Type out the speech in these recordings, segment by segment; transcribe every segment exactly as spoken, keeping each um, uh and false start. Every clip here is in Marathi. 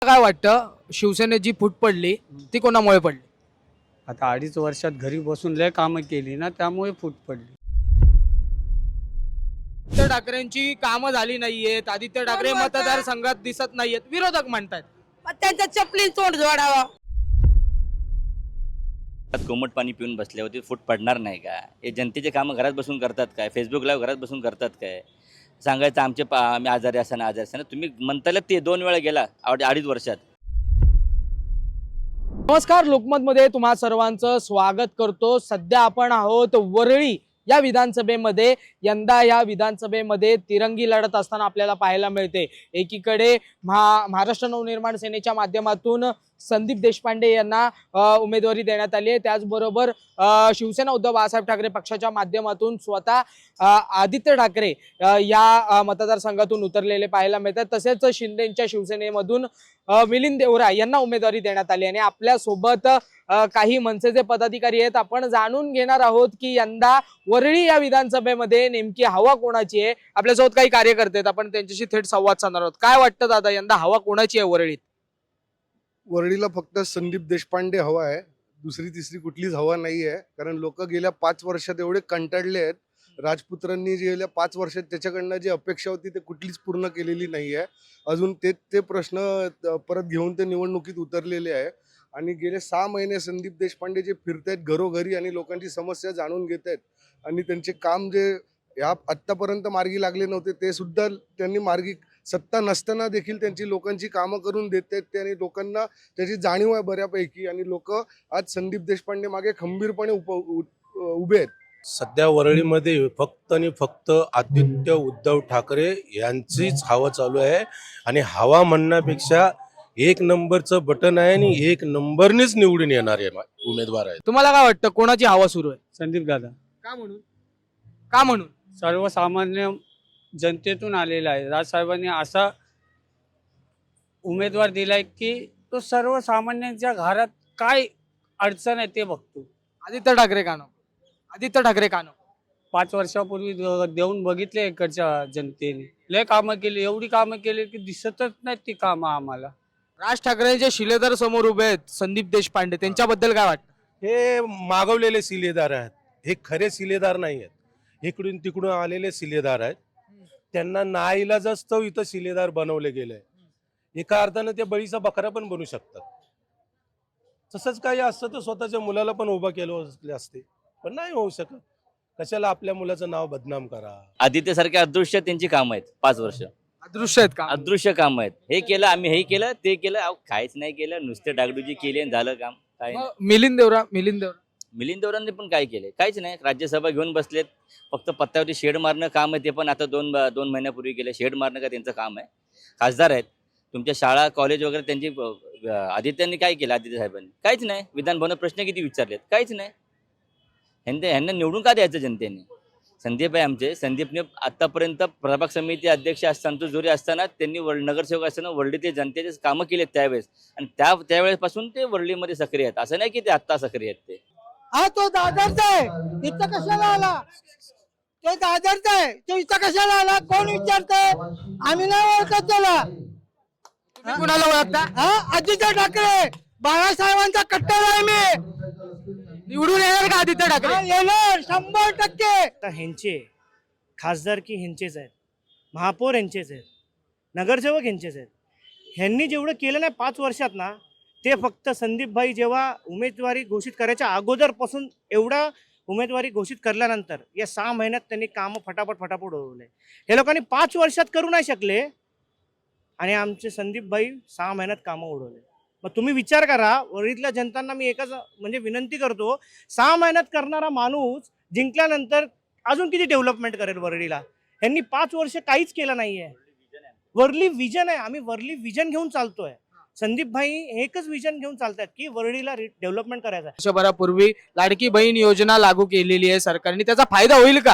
काय वाटतं शिवसेनेची फूट पडली ती कोणामुळे पडली? आता अडीच वर्षात घरी बसून लय कामं केली ना, त्यामुळे फूट पडली. आदित्य ठाकरेंची कामं झाली नाहीयेत, आदित्य ठाकरे मतदारसंघात दिसत नाहीयेत, विरोधक म्हणतात. मग त्यांच्या चपली तोंड जोडावा. कोमट पाणी पिऊन बसल्यावरती फूट पडणार नाही का? हे जनतेचे कामं घरात बसून करतात काय? फेसबुक लाईव्ह घरात बसून करतात काय? सांगायचं आमचे पा आम्ही आजारी असताना आजारी असताना तुम्ही म्हणताल ते दोन वेळा गेला अडी- अडीच वर्षात. नमस्कार, लोकमतमध्ये तुम्हा सर्वांचं स्वागत करतो. सध्या आपण आहोत वरळी या विधानसभेमध्ये. यंदा या विधानसभेमध्ये तिरंगी लढत असताना आपल्याला पाहायला मिळते. एकीकडे महा महाराष्ट्र नवनिर्माण सेनेच्या माध्यमातून संदीप देशपांडे यांना उमेदवारी देण्यात आली आहे. त्याचबरोबर शिवसेना उद्धव बाळासाहेब ठाकरे पक्षाच्या माध्यमातून स्वतः आदित्य ठाकरे या मतदारसंघातून उतरलेले पाहायला मिळतात. तसेच शिंदेच्या शिवसेनेमधून मिलिंद देवरा यांना उमेदवारी देण्यात आली आणि आपल्या सोबत काही मनसेचे पदाधिकारी आहेत. आपण जाणून घेणार आहोत की यंदा वरळी या विधानसभेमध्ये नेमकी हवा कोणाची आहे. आपल्यासोबत काही कार्यकर्ते आहेत, आपण त्यांच्याशी थेट संवाद साधणार आहोत. काय वाटतं दादा, यंदा हवा कोणाची आहे वरळीत? वरळीला फक्त संदीप देशपांडे हवा आहे, दुसरी तिसरी कुठलीच हवा नाही आहे. कारण लोक गेल्या पाच वर्षात एवढे कंटाळले आहेत. राजपुत्रांनी जे गेल्या पाच वर्षात त्याच्याकडनं जी अपेक्षा होती ते कुठलीच पूर्ण केलेली नाही आहे. अजून ते ते प्रश्न परत घेऊन ते निवडणुकीत उतरलेले आहे. आणि गेले सहा महिने संदीप देशपांडे जे फिरतायत घरोघरी आणि लोकांची समस्या जाणून घेत आहेत आणि त्यांचे काम जे या आत्तापर्यंत मार्गी लागले नव्हते ते सुद्धा त्यांनी मार्गी सत्ता नसताना देखील त्यांची लोकांची कामं करून देत आहेत ते. आणि लोकांना त्याची जाणीव आहे बऱ्यापैकी आणि लोक आज संदीप देशपांडे मागे खंबीरपणे उप उभे आहेत. सध्या वरळीमध्ये फक्त आणि फक्त आदित्य उद्धव ठाकरे यांचीच हवा चालू आहे. आणि हवा म्हणण्यापेक्षा एक नंबरचं बटन आहे आणि एक नंबरनेच निवडून येणारे उमेदवार आहेत. तुम्हाला काय वाटतं कोणाची हवा सुरू आहे? संदीप दादा का म्हणून का म्हणून सर्वसामान्य जनतेतून आलेला आहे. राजसाहेबांनी असा उमेदवार दिलाय की तो सर्वसामान्यांच्या घरात काय अडचण आहे ते बघतो. आदित्य ठाकरे का नको? आदित्य ठाकरे का नको? पाच वर्षापूर्वी देऊन बघितले इकडच्या जनतेने, लय कामं केली, एवढी कामं केली की दिसतच नाहीत ती कामं आम्हाला. राज ठाकरेंचे शिलेदार समोर उभे आहेत संदीप देशपांडे, त्यांच्याबद्दल काय वाटतं? हे मागवलेले सिलेदार आहेत, हे खरे सिलेदार नाही आहेत. इकडून तिकडून आलेले सिलेदार आहेत. त्यांना नाईलाज असतो इथं सिलेदार बनवले गेले. एका अर्थानं ते बळीचा बकरा पण बनू शकतात. तसंच काही असतं तर स्वतःच्या मुलाला पण उभं केलं असते, पण नाही होऊ शकत. कशाला आपल्या मुलाचं नाव बदनाम करा. आदित्य सारखे अदृश्य त्यांची कामं आहेत. पाच वर्ष अदृश्य आहेत का? अदृश्य कामं आहेत. हे केलं आम्ही, हे केलं ते केलं, अहो काहीच नाही केलं, नुसते डागडुजी केली आणि झालं काम. काय मग मिलिंद देवरा मिलिंद देवरा मिलिंद देवरांनी पण काय केले? काहीच नाही. राज्यसभा घेऊन बसलेत, फक्त पत्त्यावरती शेड मारणं काम आहे. ते पण आता दोन दोन महिन्यापूर्वी केले. शेड मारणं का त्यांचं काम आहे? खासदार आहेत, तुमच्या शाळा कॉलेज वगैरे त्यांची आदित्यांनी काय केलं? आदित्य साहेबांनी काहीच नाही. विधान भवनात प्रश्न किती विचारलेत? काहीच नाही. ह्यांना ह्यांना निवडून का द्यायचं जनतेने? संदीप आहे आमचे. संदीपने आतापर्यंत प्रभाग समिती अध्यक्ष असताना, संतोष जोरी असताना, त्यांनी वर्ल्ड नगरसेवक असताना वरळी ते जनतेचे कामं केलेत त्यावेळेस. आणि त्या त्यावेळेपासून ते वरळीमध्ये सक्रिय आहेत. असं नाही की ते आत्ता सक्रिय आहेत. ते हा तो दादरचा आहे, इथं कशाला आला? तो दादरचा आहे, तो इथं कशाला आला? कोण विचारतंय? आम्ही नाही ओळखत त्याला. तुम्ही कुणाला ओळखता? हा आदित्य ठाकरे बाळासाहेबांचा कट्टर आहे मी. निवडून येणार का आदित्य ठाकरे? हा, येणार शंभर टक्के. आता ह्यांचे खासदार की ह्यांचेच आहेत, महापौर ह्यांचेच आहेत, नगरसेवक ह्यांचेच आहेत. ह्यांनी जेवढं केलं नाही पाच वर्षात ना, ते फक्त संदीपभाई जेव्हा उमेदवारी घोषित करायच्या अगोदरपासून एवढा उमेदवारी घोषित करल्यानंतर या सहा महिन्यात त्यांनी कामं फटाफट फटाफट उडवले. हे लोकांनी पाच वर्षात करू नाही शकले आणि आमचे संदीपभाई सहा महिन्यात कामं उडवले. मग तुम्ही विचार करा, वरळीतल्या जनतांना मी एकच म्हणजे विनंती करतो, सहा महिन्यात करणारा माणूस जिंकल्यानंतर अजून किती डेव्हलपमेंट करेल वरळीला? ह्यांनी पाच वर्ष काहीच केलं नाहीये. वरळी विजन आहे, आम्ही वरळी विजन घेऊन चालतोय. संदीप भाई एकच विजन घेऊन चालतात की वरळीला डेव्हलपमेंट करायचं आहे. वर्षभरापूर्वी लाडकी बहीण योजना लागू केलेली आहे सरकारने, त्याचा फायदा होईल का?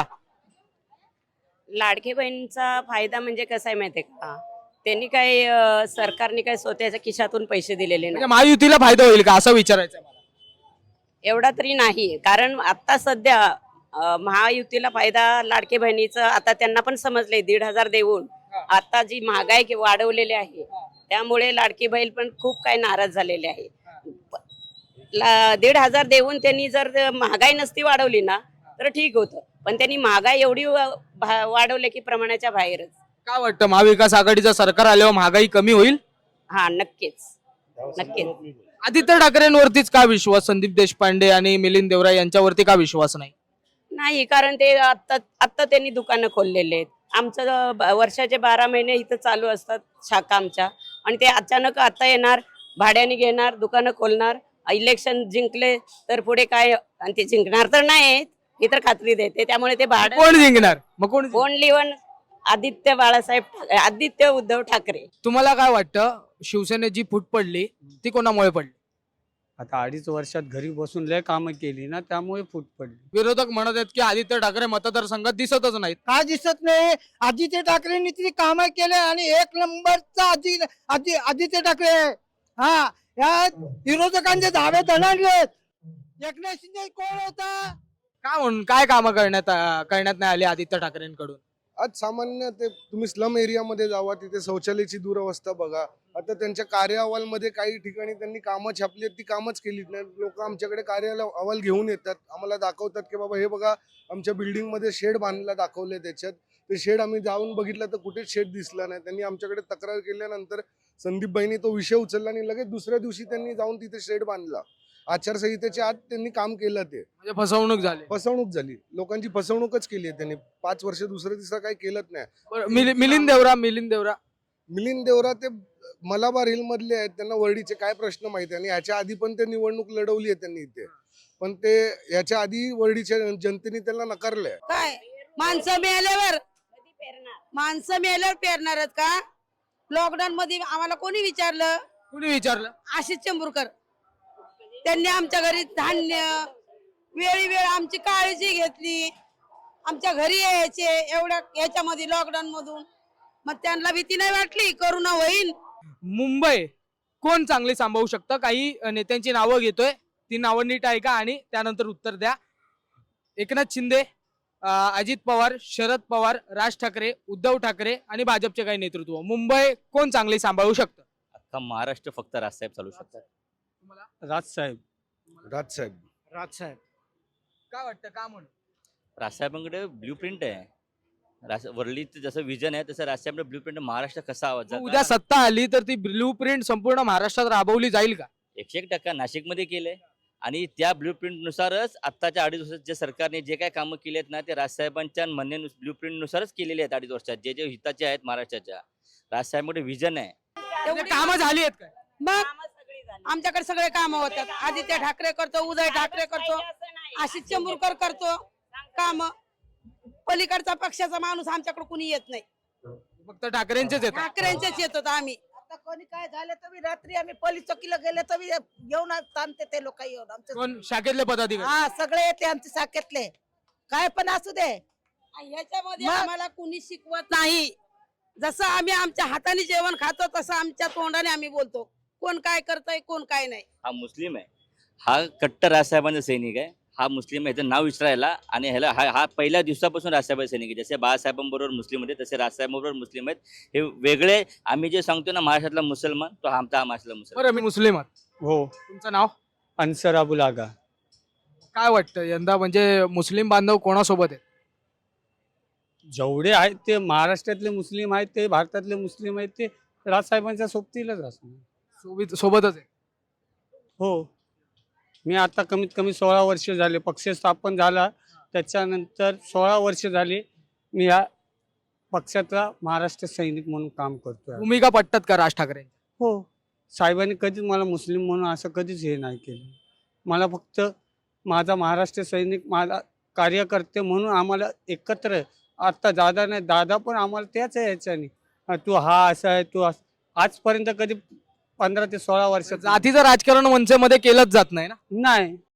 लाडकी बहिणीचा फायदा म्हणजे कसा आहे माहितीये का? त्यांनी काय अं, सरकारने काय स्वतःच्या खिशातून पैसे दिलेले म्हणजे नाही, महायुतीला फायदा होईल का असं विचारायचं मला. एवढा तरी नाही. कारण आता सध्या अं, महायुतीला फायदा लाडकी बहिणीचं आता त्यांना पण समजलंय. दीड हजार देऊन आता जी महागाई वाढवलेली आहे त्यामुळे लाडकी बहीण पण खूप काही नाराज झालेले आहे. ला- दीड हजार देऊन त्यांनी जर महागाई नसती वाढवली ना तर ठीक होतं, पण त्यांनी महागाई एवढी वा- भा- वाढवली की प्रमाणाच्या बाहेरच. काय वाटतं महाविकास आघाडीचं सरकार आल्यावर महागाई कमी होईल? हा नक्कीच नक्कीच. आदित्य ठाकरेंवरतीच का विश्वास, संदीप देशपांडे आणि मिलिंद देवरा यांच्यावरती का विश्वास नाही? नाही, कारण ते आत्ता आत्ता त्यांनी दुकानं खोललेले आहेत. आमचं ब- वर्षाचे बारा महिने इथं चालू असतात शाखा आमच्या, आणि ते अचानक आता येणार, भाड्याने घेणार, दुकानं खोलणार, इलेक्शन जिंकले तर पुढे काय, आणि ते जिंकणार तर नाही ही तर खात्री देते. त्यामुळे ते भाडं कोण जिंकणार मग? कोण जिंकणार? Only one Aditya Balasaheb Thackeray- Aditya Uddhav Thackeray. तुम्हाला काय वाटतं शिवसेनेत जी फूट पडली ती कोणामुळे पडली? आता अडीच वर्षात घरी बसून लय कामं केली ना, त्यामुळे फूट पडली. विरोधक म्हणत आहेत की आदित्य ठाकरे मतदारसंघात दिसतच नाहीत. का दिसत नाही? आदित्य ठाकरेंनी ती कामं केले आणि एक नंबरचा आदि आदि आदित्य ठाकरे आहे. हा, या विरोधकांचे धाबे दणाणलेत. एकनाथ शिंदे कोण होता? काय म्हणून काय कामं करण्यात करण्यात नाही आली आदित्य ठाकरेंकडून? आज सामान्य ते तुम्ही स्लम एरियामध्ये जावा, तिथे शौचालयाची दुरवस्था बघा. आता त्यांच्या कार्य अहवालमध्ये काही ठिकाणी त्यांनी कामं छापली आहेत, ती कामच केली नाही. लोक आमच्याकडे कार्य अहवाल घेऊन येतात, आम्हाला दाखवतात की बाबा हे बघा आमच्या बिल्डिंगमध्ये शेड बांधला दाखवले. त्याच्यात ते शेड आम्ही जाऊन बघितलं तर कुठेच शेड दिसला नाही. त्यांनी आमच्याकडे तक्रार केल्यानंतर संदीप भाईंनी तो विषय उचलला आणि लगेच दुसऱ्या दिवशी त्यांनी जाऊन तिथे शेड बांधला. आचारसंहितेच्या आत त्यांनी काम केलं. ते म्हणजे फसवणूक झाली. फसवणूक झाली, लोकांची फसवणूकच केली आहे त्यांनी. पाच वर्ष दुसरं तिसरं काही केलंच नाही. बरं, मिलि- मिलिंद देवरा मिलिंद देवरा मिलिंद देवरा ते मलाबार हिल मधले आहेत, त्यांना वर्डीचे काय प्रश्न माहिती आहे. आणि याच्या आधी पण ते निवडणूक लढवली आहे त्यांनी इथे, पण ते याच्या आधी वर्डीच्या जनतेने त्यांना नकारलंय. काय माणसं मिळाल्यावर माणसं मिळाल्यावर पेरणारच का? लॉकडाऊन मध्ये आम्हाला कोणी विचारलं? कुणी विचारलं? आशिष चेंबूरकर. त्यांनी आमच्या घरी धान्य वेळी वेळ आमची काळजी घेतली, आमच्या घरी यायचे एवढ्या याच्यामध्ये लॉकडाऊन मधून. मग त्यांना भीती नाही वाटली करोना होईल? मुंबई कोण चांगली सांभाळू शकतं? काही नेत्यांची नावं घेतोय, ती नावं नीट ऐका आणि त्यानंतर उत्तर द्या. एकनाथ शिंदे, अं, अजित पवार, शरद पवार, राज ठाकरे, उद्धव ठाकरे आणि भाजपचे काही नेतृत्व. मुंबई कोण चांगली सांभाळू शकतं? अख्खा महाराष्ट्र फक्त राजसाहेब चालू शकतात. राजसाहेब. राजसाहेब. राजसाहेब. काय वाटतं का म्हणून? राजसाहेबांकडे ब्ल्यू प्रिंट आहे. राज वरळीचं जसं विजन आहे तसं राजसाहेबांकडे ब्ल्यू प्रिंट. महाराष्ट्र कसा आवाज मग उद्या सत्ता आली तर ती ब्ल्यू प्रिंट संपूर्ण महाराष्ट्रात राबवली जाईल का? एकशे एक टक्का नाशिकमध्ये केलंय, आणि त्या ब्ल्यू प्रिंटनुसारच आत्ताच्या अडीच वर्षात जे सरकारने जे काय कामं केली आहेत ना, ते राजसाहेबांच्या म्हणणे ब्ल्यू प्रिंटनुसारच केलेले आहेत. अडीच वर्षात जे जे हिताचे आहेत महाराष्ट्राच्या, राजसाहेबांकडे विजन आहे. म्हणजे कामं झाली आहेत काय? मग आमच्याकडे सगळे काम होतात. आदित्य ठाकरे करतो, उदय ठाकरे करतो, आशिष चेंबूरकर करतो काम. पलीकडचा पक्षाचा माणूस आमच्याकडे कुणी येत नाही. फक्त ठाकरेंचेच येतात. ठाकरेंचेच येतात आम्ही. आता कोणी काय झालं तर रात्री आम्ही पोलीस चौकीला गेले तर येऊन थांबते ते लोक येऊन आमचे. कोण? शाखेतले पदाधिकारी. हा, सगळे येते आमचे शाखेतले, काय पण असू दे. ह्याच्यामध्ये मग? आम्हाला कुणी शिकवत नाही. जसं आम्ही आमच्या हाताने जेवण खातो तसं आमच्या तोंडाने आम्ही बोलतो. कोण काय करतंय कोण काय नाही. हा मुस्लिम आहे, हा कट्टर राजसाहेबांचा सैनिक आहे. हा मुस्लिम आहे, ह्याचं नाव विचारायला, आणि ह्याला हा हा पहिल्या दिवसापासून राजसाहेबांचा सैनिक आहे. जसे बाळासाहेबांबरोबर मुस्लिम होते तसे राजसाहेबांबरोबर मुस्लिम आहेत. हे वेगळे. आम्ही जे सांगतो ना महाराष्ट्रातला मुसलमान, तो हा आमचा हा महाराष्ट्रातला मुसलमान. बरं, मी मुस्लिम आहात. हो. तुमचं नाव? अन्सर अबुल आगा. काय वाटतं यंदा म्हणजे मुस्लिम बांधव कोणासोबत आहेत? जेवढे आहेत ते महाराष्ट्रातले मुस्लिम आहेत, ते भारतातले मुस्लिम आहेत, ते राजसाहेबांच्या सोबतीलाच असणार. सोबत सोबतच आहे. हो. मी आता कमीत कमी सोळा वर्ष झाले, पक्ष स्थापन झाला त्याच्यानंतर सोळा वर्ष झाले मी या पक्षाचा महाराष्ट्र सैनिक म्हणून काम करतोय. भूमिका पटतात का राज ठाकरे? हो. साहेबांनी कधीच मला मुस्लिम म्हणून असं कधीच हे नाही केलं. मला फक्त माझा महाराष्ट्र सैनिक, माझा कार्यकर्ते म्हणून आम्हाला एकत्र, आता दादा नाही, दादा पण आम्हाला त्याच आहे याच्याने, तू हा असा आहे, तू असं. आजपर्यंत कधी पंधरा ते सोळा वर्षात जातीचं राजकारण मनसेमध्ये केलंच जात नाही ना. नाही.